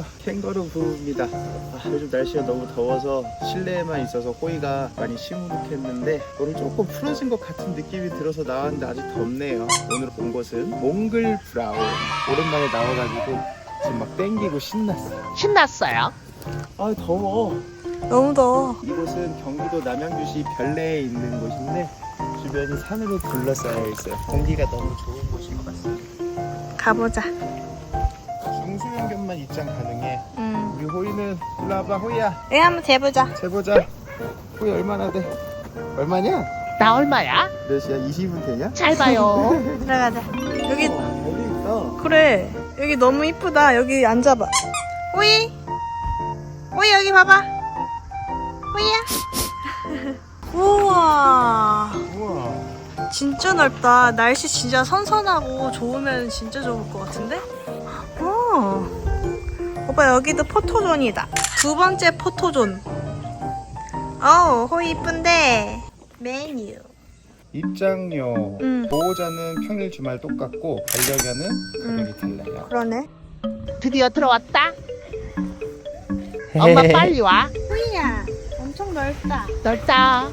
캥거루 부부입니다. 요즘 날씨가 너무 더워서 실내에만 있어서 호이가 많이 시무룩했는데 오늘 조금 풀어진 것 같은 느낌이 들어서 나왔는데 아직 덥네요. 오늘 온 곳은 몽글 브라운. 오랜만에 나와가지고 지금 막 땡기고 신났어요. 아 더워. 너무 더워. 이곳은 경기도 남양주시 별내에 있는 곳인데 주변이 산으로 둘러싸여 있어요. 공기가 너무 좋은 곳인 것 같습니다. 가보자. 중수용견만 입장 가능해. 우리 호이는 일로 와봐. 호이야 네, 한번 재보자. 재보자. 호이 얼마나 돼? 얼마냐? 나 얼마야? 몇이야? 20은 되냐? 잘 봐요. 들어가자. 여기 여기 있어. 그래. 여기 너무 이쁘다. 여기 앉아봐. 호이. 호이 여기 봐봐. 호이야. 우와. 우와. 진짜 넓다. 날씨 진짜 선선하고 좋으면 진짜 좋을 것 같은데? 오빠 여기도 포토존이다. 두 번째 포토존. 호이 이쁜데. 메뉴. 입장료. 보호자는 평일 주말 똑같고 반려견은 가격이 달라요. 그러네. 드디어 들어왔다. 엄마 빨리 와. 호이야. 엄청 넓다. 넓다.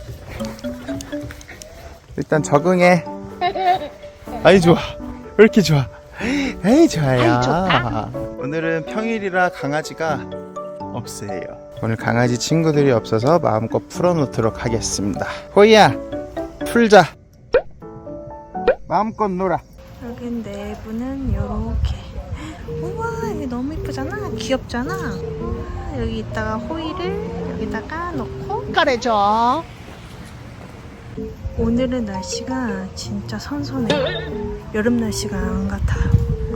일단 적응해. 아이 좋아. 왜 이렇게 좋아? 에이 좋아요. 아이, 좋다. 오늘은 평일이라 강아지가 없어요. 오늘 강아지 친구들이 없어서 마음껏 풀어놓도록 하겠습니다. 호이야 풀자. 마음껏 놀아. 여기 내부는 요렇게. 우와 여기 너무 이쁘잖아. 귀엽잖아. 우와, 여기 있다가 호이를 여기다가 넣고. 꺼내줘. 오늘은 날씨가 진짜 선선해. 여름 날씨가 안 같아요.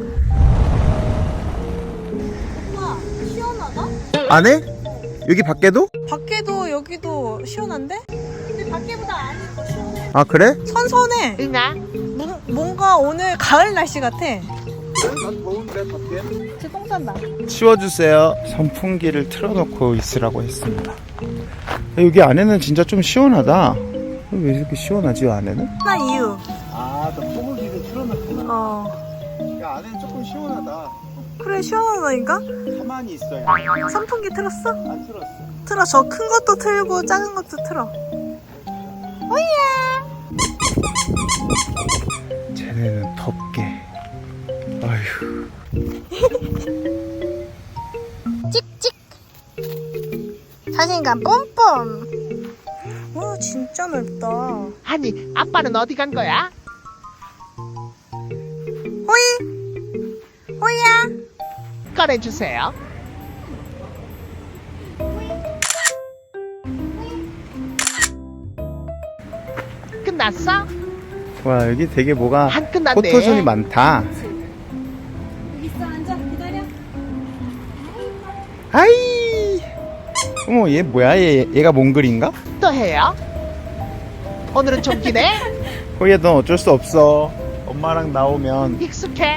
우와 시원하다? 안 해? 여기 밖에도? 밖에도 여기도 시원한데? 근데 밖에보다 안이 더 시원해. 아 그래? 선선해. 응아. 뭔가 오늘 가을 날씨 같아. 난 더운데 밖에. 저 똥 싼다. 치워주세요. 선풍기를 틀어놓고 있으라고 했습니다. 여기 안에는 진짜 좀 시원하다. 왜 이렇게 시원하지 안에는? 나 이유. 아, 너 소고기를 틀어놨구나. 야, 안에는 조금 시원하다. 그래 시원하다니까? 가만히 있어요. 선풍기 틀었어? 안 틀었어. 틀어. 저 큰 것도 틀고 작은 것도 틀어. 오야. 쟤네는 덥게. 아휴. 찍찍. 자신감 뿜뿜. 와 진짜 넓다. 아니 아빠는 어디 간 거야? 호이. 호이야. 꺼내주세요. 끝났어? 와, 여기 되게 뭐가 안 끝났네. 포토존이 많다. 여기 있어 앉아 기다려. 아이. 어머, 얘 뭐야? 얘가 몽글인가? 또 해요? 오늘은 좀 기네. 호이야, 넌 어쩔 수 없어. 엄마랑 나오면. 익숙해.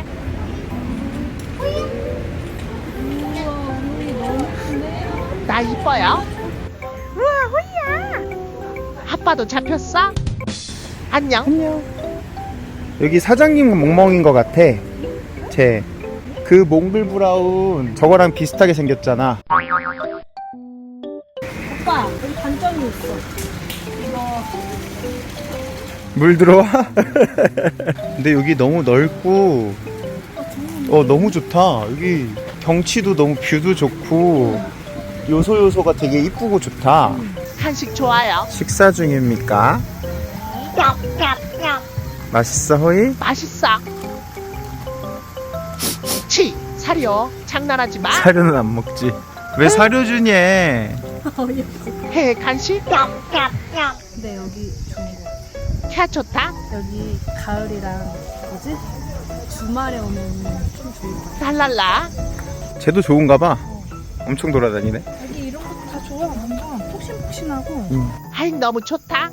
나 이뻐요? 우와 호이야. 아빠도 잡혔어? 안녕. 안녕. 여기 사장님 멍멍인 것 같아. 쟤. 그 몽글 브라운 저거랑 비슷하게 생겼잖아. 오빠 여기 단점이 있어. 이거 물 들어와? 근데 여기 너무 넓고 너무 좋다. 여기 경치도 너무 뷰도 좋고 요소가 되게 이쁘고 좋다. 간식 좋아요. 식사 중입니까? 맛있어 호이? 맛있어. 치 사료 장난하지 마. 사료는 안 먹지. 왜 사료 주니? 해 간식. 근데 여기 좋은 거. 캬 좋다. 여기 가을이랑 뭐지? 주말에 오면 좀 좋을 것 같아. 랄랄라. 쟤도 좋은가 봐. 엄청 돌아다니네. 여기 이런 것도 다 좋아. 완전 폭신폭신하고. 아이 너무 좋다.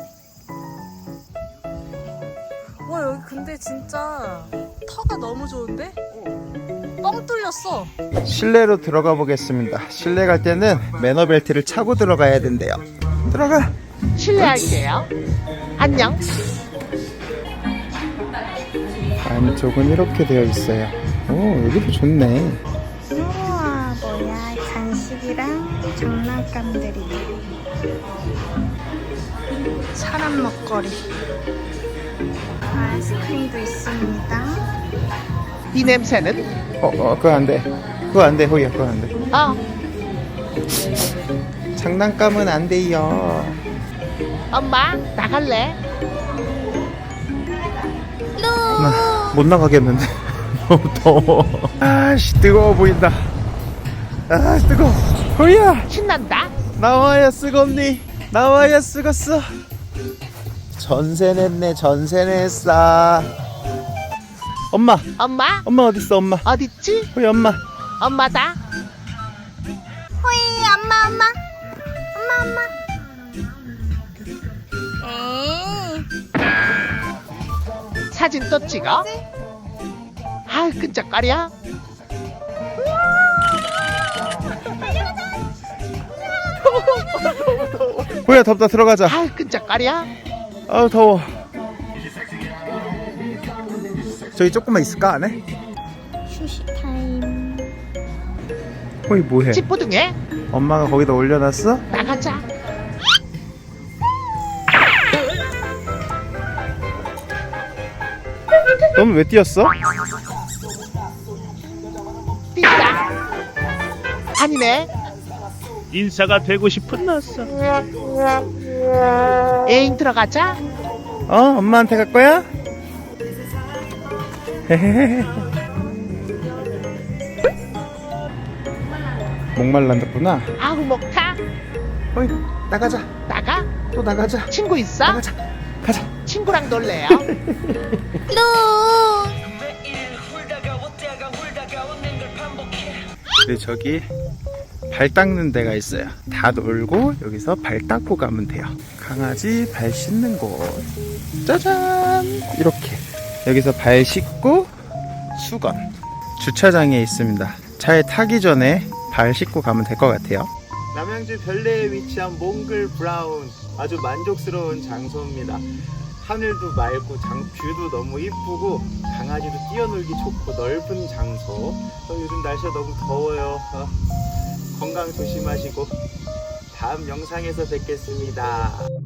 와 여기 근데 진짜 터가 너무 좋은데? 뻥 뚫렸어. 실내로 들어가 보겠습니다. 실내 갈 때는 매너벨트를 차고 들어가야 된대요. 들어가. 실례할게요. 안녕. 안쪽은 이렇게 되어 있어요. 오, 여기도 좋네. 우와 색감들이네. 사람 먹거리. 아이스크림도 있습니다. 이 냄새는? 그거 안 돼. 그거 안 돼, 호이야, 그거 안 돼. 장난감은 안 돼요. 엄마 나갈래? 못 나가겠는데. 너무 더워. 아씨, 뜨거워 보인다. 아, 뜨거워. 호이야, 신난다. 나와야 쓰겄니? 나와야 쓰겄어. 전세 냈네, 전세 냈어. 엄마 엄마 어딨어, 엄마? 어딨지? 호이, 엄마. 엄마다. 호이, 엄마. 에이. 사진 또 찍어? 아 끈적거려. 호이야, 덥다, 들어가자. 아 끈적거려. 아우, 더워. 저기 조금만 있을까, 안에? 휴식 타임. 호이, 뭐해? 찌뿌둥해. 엄마가 거기다 올려놨어? 나가자. 너는 왜 뛰었어? 뛴다. 아니네. 인싸가 되고 싶은 나싸. 애인 들어가자. 엄마한테 갈 거야? 헤헤헤. 목말랐구나. 아우 목타. 어이, 나가자. 나가? 또 나가자. 친구 있어? 나가자. 가자. 친구랑 놀래요. 네, 저기 발 닦는 데가 있어요. 다 놀고 여기서 발 닦고 가면 돼요. 강아지 발 씻는 곳. 짜잔! 이렇게 여기서 발 씻고 수건. 주차장에 있습니다. 차에 타기 전에 발 씻고 가면 될 것 같아요. 남양주 별내에 위치한 몽글 브라운, 아주 만족스러운 장소입니다. 하늘도 맑고 뷰도 너무 이쁘고 강아지도 뛰어놀기 좋고 넓은 장소. 요즘 날씨가 너무 더워요. 건강 조심하시고 다음 영상에서 뵙겠습니다.